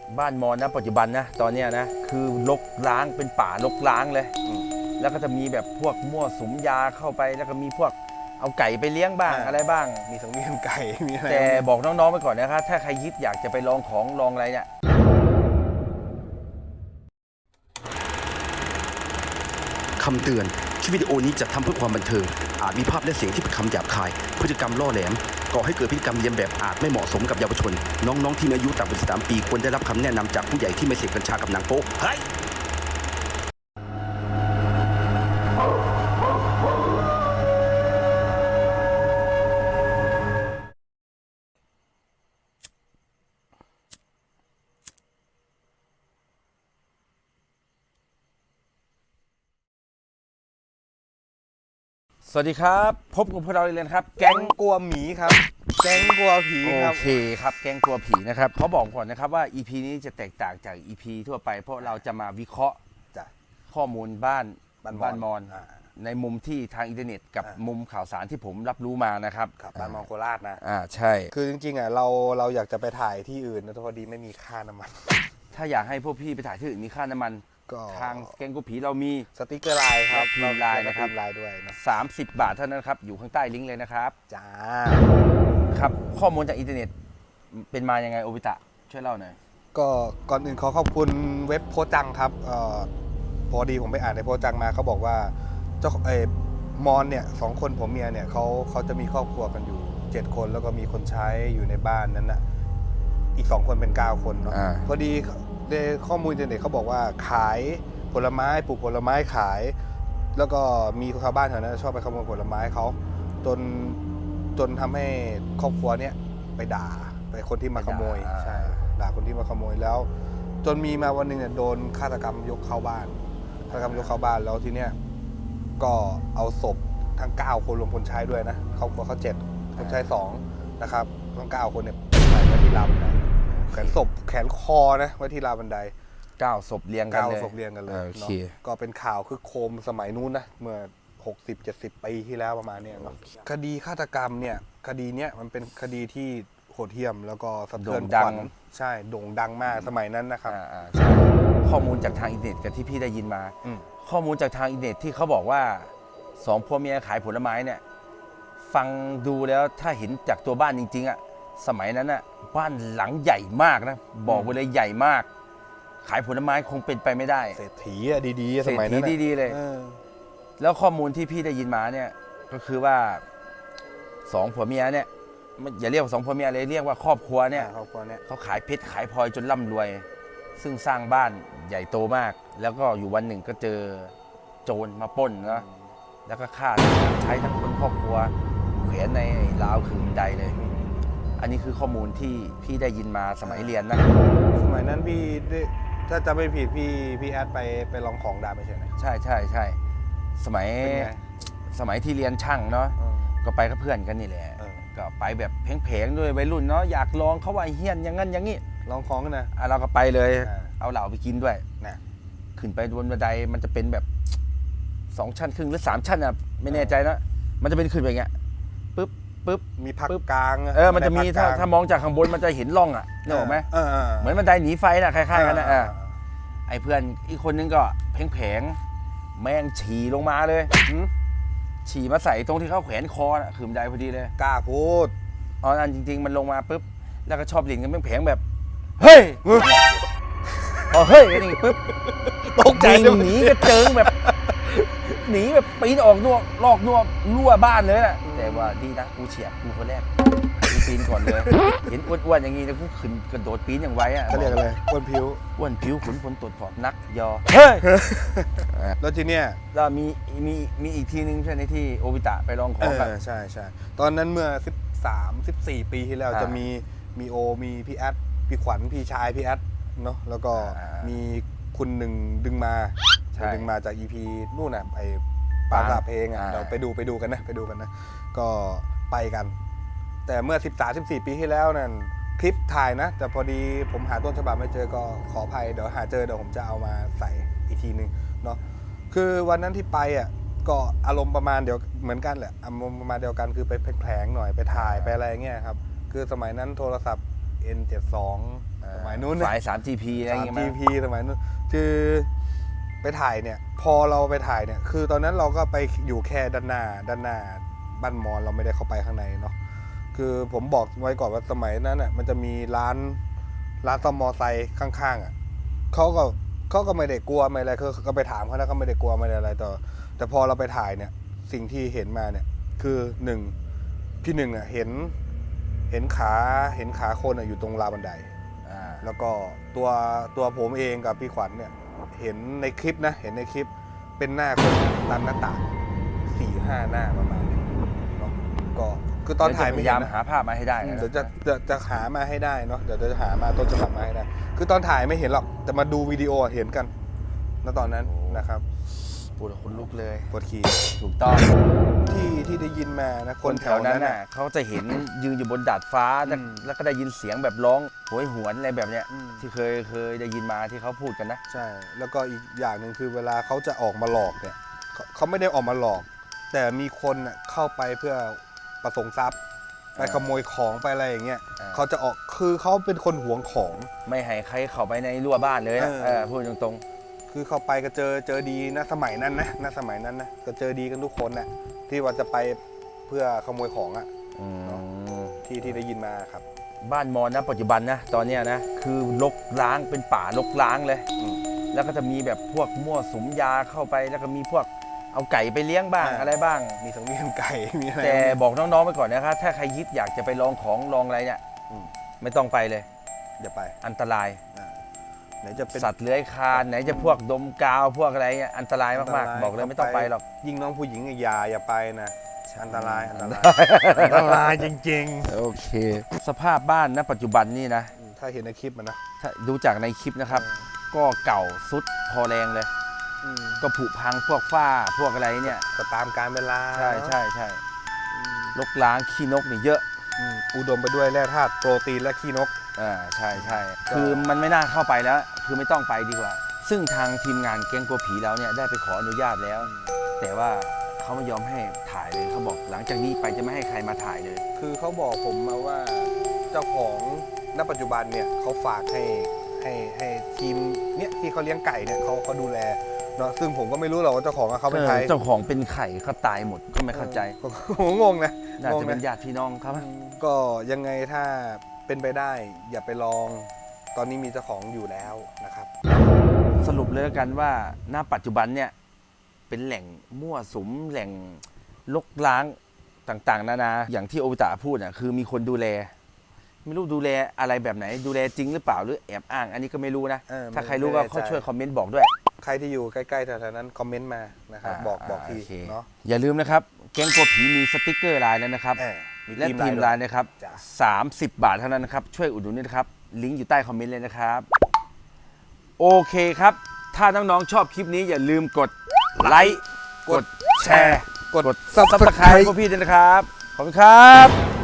บ้านมอญนะปัจจุบันนะตอนเนี้ยนะคือรกร้างเป็นป่ารกร้างเลยแล้วก็จะมีแบบพวกมั่วสุมยาเข้าไปแล้วก็มีพวกเอาไก่ไปเลี้ยงบ้างอะไรบ้างมีสังเวียนไก่มีอะไรแต่บอกน้องๆไปก่อนนะครับถ้าใครคิดอยากจะไปลองของลองอะไรเนี่ยคำเตือนคลิปวิดีโอนี้จัดทำเพื่อความบันเทิงอาจมีภาพและเสียงที่เป็นคำหยาบคายพฤติกรรมล่อแหลมก่อให้เกิดพฤติกรรมเลียนแบบอาจไม่เหมาะสมกับเยาวชนน้องๆที่มีอายุต่ำกว่า13 ปีควรได้รับคำแนะนำจากผู้ใหญ่ที่ไม่เสพกัญชากับหนังโป๊เฮ้ยสวัสดีครับพบกับพวกเราเลยนะครับแก๊แก๊งงกลัวหมีครับแก๊งกลัวผีครับโอเคครับแก๊งกลัวผีนะครับเขาบอกก่อนนะครับว่า EP นี้จะแตกต่างจาก EP ทั่วไปเพราะเราจะมาวิเคราะห์จ้ะข้อมูลบ้านมอญอ่าในมุมที่ทางอินเทอร์เน็ตกับมุมข่าวสารที่ผมรับรู้มานะครับครับบ้านมองโคราชนะใช่คือจริงๆอ่ะเราอยากจะไปถ่ายที่อื่นนะแต่พอดีไม่มีค่าน้ำมันถ้าอยากให้พวกพี่ไปถ่ายที่อื่นมีค่าน้ำมันก็ทางแกงกุผีเรามีสติ๊กเกอร์ไลน์ครับและทีมไลน์นะครับทีมไลน์ด้วยนะ 30 บาทเท่านั้นครับอยู่ข้างใต้ลิงก์เลยนะครับจ้าครับข้อมูลจากอินเทอร์เน็ตเป็นมายังไงโอบิตะช่วยเล่าหน่อยก็ก่อนอื่นขอขอบคุณเว็บโพจังครับพอดีผมไปอ่านในโพจังมาเขาบอกว่าเจ้ามอนเนี่ย2 คนผมเมียเนี่ยเขาจะมีครอบครัวกันอยู่7 คนแล้วก็มีคนใช้อยู่ในบ้านนั้นน่ะอีก2 คนเป็น9 คนเนาะพอดีในข้อมูลอินเทอร์เน็ตเขาบอกว่าขายผลไม้ปลูกผลไม้ขาย แล้วก็มีชาวบ้านแถวนั้นชอบไปขโมยผลไม้เขาจนทำให้ครอบครัวเนี่ยไปด่าไปคนที่มาขโมยใช่ด่าคนที่มาขโมยแล้ว จนมีมาวันหนึ่งเนี่ยโดนฆาตกรรมยกเข้าบ้านฆาตกรรมยกเข้าบ้านแล้วทีเนี้ยก็เอาศพทั้ง9 คนรวมคนใช้ด้วยนะครอบครัวเขา7คนใช้2นะครับทั้ง9 คนเนี่ยใส่ไว้ที่ราวบันไดแขนศพแขนคอนะไว้ที่ราวบันได 9 ศพเรียงกันเลย 9 ศพเรียงกันเลยโอเคเนาะก็เป็นข่าวคือโคมสมัยนู้นนะเมื่อ60-70 ปีที่แล้วประมาณเนี้ยเนาะคดีฆาตกรรมเนี่ยคดีเนี้ยมันเป็นคดีที่โหดเหี้ยมแล้วก็สะเทือนขวัญใช่โด่งดังมากสมัยนั้นนะครับใช่ข้อมูลจากทางอินเทอร์เน็ตกับที่พี่ได้ยินมา ข้อมูลจากทางอินเทอร์เน็ตที่เขาบอกว่า2 ผัวเมียขายผลไม้เนี่ยฟังดูแล้วถ้าเห็นจากตัวบ้านจริงๆอ่ะสมัยนั้นอ่ะบ้านหลังใหญ่มากนะบอกไว้เลยใหญ่มาก ขายผลไม้คงเป็นไปไม่ได้เศรษฐีอะดีๆสมัยนั้นเศรษฐีดีๆเลย แล้วข้อมูลที่พี่ได้ยินมาเนี่ยก็คือว่า2 ผัวเมียเนี่ยอย่าเรียกว่า2 ผัวเมียเลยเรียกว่าครอบครัวเนี่ยครอบครัวเนี่ยเขาขายเพชรขายพลอยจนร่ำรวย ซึ่งสร้างบ้านใหญ่โตมาก แล้วก็อยู่วันหนึ่งก็เจอโจรมาปล้นนะแล้วก็ฆ่าใช้ทั้งคนครอบครัวแขวนในราวขึงบันไดเลย อันนี้คือข้อมูลที่พี่ได้ยินมาสมัยเรียนนะสมัยนั้นพี่ถ้าจำไม่ผิดพี่แอดไปลองของดาไม่ใช่ไหมใช่สมัยเป็นไงสมัยที่เรียนช่างเนาะก็ไปกับเพื่อนกันนี่แหละก็ไปแบบเพลงๆด้วยวัยรุ่นเนาะอยากลองเขาว่าเฮี้ยนอย่างนั้นอย่างนี้ลองของกันนะเราก็ไปเลยอ่าเอาเหล้าไปกินด้วยนะขึ้นไปบนบันไดมันจะเป็นแบบ2 ชั้นครึ่งหรือ3 ชั้นอ่ะไม่แน่ใจนะมันจะเป็นขึ้นไปอย่างเงี้ยปึ๊บมีพักกลางมันจะมีถ้ามองจากข้างบนมันจะเห็นร่องอ่ะนึกออกไหม เหมือนบันไดหนีไฟน่ะคล้ายๆกันนะไอ้เพื่อนอีกคนนึงก็แผงแม่งฉี่ลงมาเลยฉี่มาใส่ตรงที่เขาแขวนคอน่ะคือบันไดพอดีเลยกล้าพูดอันจริงๆมันลงมาปุ๊บแล้วก็ชอบเล่นกันแผงแบบเฮ้ยพอเฮ้ยกันนี่ปุ๊บตกใจวิ่งหนีกระเจิงแบบหนีแบบปีนออกนอกลอกนอกรั่วบ้านเลยน่ะแต่ว่าดีนะกูเฉียบกูคนแรกกูปีนก่อนเลยเห็นอ้วนๆอย่างงี้นะกูขึ้นกระโดดปีนอย่างไวอ่ะเขาเรียกอะไรอ้วนผิวอ้วนผิวขุนพลตรวจผอบนักยอเฮ้ยแล้วทีเนี้ยแล้วมีอีกทีนึงใช่ไหมที่โอบิตะไปลองของกันใช่ตอนนั้นเมื่อ13-14 ปีที่แล้วจะมีโอมีพี่แอดพี่ขวัญพี่ชายพี่แอดเนาะแล้วก็มีคุณหนึ่งดึงมาจาก EP นู่นน่ะไอ้ปราสาทเพลงอ่ะเราไปดูกันนะก็ไปกัน แต่เมื่อ13-14 ปีที่แล้วนั่นคลิปถ่ายนะ แต่พอดีผมหาต้นฉบับไม่เจอก็ขออภัยเดี๋ยวหาเจอเดี๋ยวผมจะเอามาใส่อีกทีนึงเนาะคือวันนั้นที่ไปอ่ะก็อารมณ์ประมาณเดียวเหมือนกันแหละอารมณ์ประมาณเดียวกันคือไปแผลงหน่อยไปถ่ายไปอะไรเงี้ยครับคือสมัยนั้นโทรศัพท์ N72 สมัยนู้นนะสาย 3GP อะไรอย่างเงี้ยมั้ย 3GP สมัยนู้นคือไปถ่ายเนี่ยพอเราไปถ่ายเนี่ยคือตอนนั้นเราก็ไปอยู่แค่ด้านหน้าบ้านมอนเราไม่ได้เข้าไปข้างในเนาะคือผมบอกไว้ก่อนว่าสมัยนั้นอ่ะมันจะมีร้านซ่อมมอไซค์ข้างๆอ่ะเขาก็ไม่ได้กลัวไม่อะไรคือก็ไปถามเขาแล้วก็ไม่ได้กลัวไม่ได้อะไรต่อแต่พอเราไปถ่ายเนี่ยสิ่งที่เห็นมาเนี่ยคือหนึ่งพี่หนึ่งอ่ะเห็นขาคนอ่ะอยู่ตรงราวบันไดแล้วก็ตัวผมเองกับพี่ขวัญเนี่ยเห็นในคลิปนะเห็นในคลิปเป็นหน้าคนตามหน้าต่าง 4-5 หน้าประมาณนี้เนาะก็คือตอนถ่ายพไม่ยาเห็ยามนนะหาภาพมาให้ได้นะเดี๋ยวจะหามาให้ได้เนาะเดี๋ยวจะหามาต้นฉบับมาให้ได้คือตอนถ่ายไม่เห็นหรอกแต่มาดูวิดีโอเห็นกันณตอนนั้นนะครับปวดคนลุกเลยปวดขี่ถูกต้องที่ได้ยินมานะคนแถวนั้นน่ะเขาจะเห็นยืนอยู่บนดาดฟ้าอืมแล้วก็ได้ยินเสียงแบบร้องโหยหวนอะไรแบบเนี้ยอืมที่เคยได้ยินมาที่เขาพูดกันนะใช่แล้วก็อีกอย่างหนึ่งคือเวลาเขาจะออกมาหลอกเนี่ยเขาไม่ได้ออกมาหลอก แต่มีคนน่ะเข้าไปเพื่อประสงค์ทรัพย์ไปขโมยของไปอะไรอย่างเงี้ยเขาจะออกคือเขาเป็นคนหวงของไม่ให้ใครเข้าไปในรั้วบ้านเลยนะเออพูดตรงคือเข้าไปก็เจอดีนะสมัยนั้นนะสมัยนั้นนะก็เจอดีกันทุกคนนะที่ว่าจะไปเพื่อขโมยของอะๆอืมที่ได้ยินมาครับบ้านมอญนะปัจจุบันนะตอนเนี้ยนะคือรกร้างเป็นป่ารกร้างเลยอืมแล้วก็จะมีแบบพวกมั่วสุมยาเข้าไปแล้วก็มีพวกเอาไก่ไปเลี้ยงบ้างอ่าอะไรบ้างมีสังเวียนไก่มีอะไรแต่บอกน้องๆไปก่อนนะครับถ้าใครคิดอยากจะไปลองของลองอะไรเนี่ยอืมไม่ต้องไปเลยอย่าไปอันตรายไหนจะเป็นสัตว์เลื้อยคลานไหนจะพวกดมกาวพวกอะไรเนี่ยอันตรายมากๆบอกเลยไม่ต้องไปหรอกยิ่งน้องผู้หญิงอย่าไปนะอันตรายอันตรายอันตรายจริงโอเค สภาพบ้านณปัจจุบันนี่นะๆถ้าเห็นในคลิปมันนะถ้าดูจากในคลิปนะครับ ก็เก่าสุดพอแรงเลยอืมก็ผุพังพวกฝ้าพวกอะไรเนี่ยก็ตามการเวลาใช่เนอะใช่ใช่อืมลกล้างขี้นกนี่เยอะอุดมไปด้วยแร่ธาตุโปรตีนและขี้นกใช่ใช่คือมันไม่น่าเข้าไปแล้ว คือไม่ต้องไปดีกว่า ซึ่งทางทีมงานแก๊งกลัวผีแล้วเนี่ยได้ไปขออนุญาตแล้ว แต่ว่าเขาไม่ยอมให้ถ่ายเลยเขาบอกหลังจากนี้ไปจะไม่ให้ใครมาถ่ายเลยคือเขาบอกผมมาว่าเจ้าของณปัจจุบันเนี่ยเขาฝากให้ทีมเนี่ยที่เขาเลี้ยงไก่เนี่ยเขาดูแลเนาะซึ่งผมก็ไม่รู้หรอกว่าเจ้าของเขาเป็นใครเจ้าของเป็นไข่เขาตายหมดก็ไม่เข้าใจผมงงนะน่าจะเป็นงงญาติพี่น้องครับก็ยังไงถ้าเป็นไปได้อย่าไปลอง ตอนนี้มีเจ้าของอยู่แล้วนะครับสรุปเลยแล้วกันว่าณปัจจุบันเนี่ยเป็นแหล่งมั่วสุมแหล่งลกล้างต่างๆนานาอย่างที่โอบิตะพูดอ่ะคือมีคนดูแล ไม่รู้ดูแลอะไรแบบไหน ดูแลจริงหรือเปล่าหรือแอบอ้าง อันนี้ก็ไม่รู้นะ ถ้าใครรู้ก็เขาช่วยคอมเมนต์บอกด้วยใครที่อยู่ใกล้ๆแถวๆนั้นคอมเมนต์มานะครับบอกทีโอเคเนาะอย่าลืมนะครับแก๊งกลัวผีมีสติกเกอร์ไลน์แล้วนะครับ และทีมไลน์นะครับจ้ะ 30 บาทเท่านั้นนะครับ ช่วยอุดหนุนด้วยนะครับ ลิงก์อยู่ใต้คอมเมนต์เลยนะครับ โอเคครับ ถ้าน้องๆชอบคลิปนี้อย่าลืมกดไลค์ กดแชร์กดซับสไครต์พวกพี่ด้วยนะครับ ขอบคุณครับ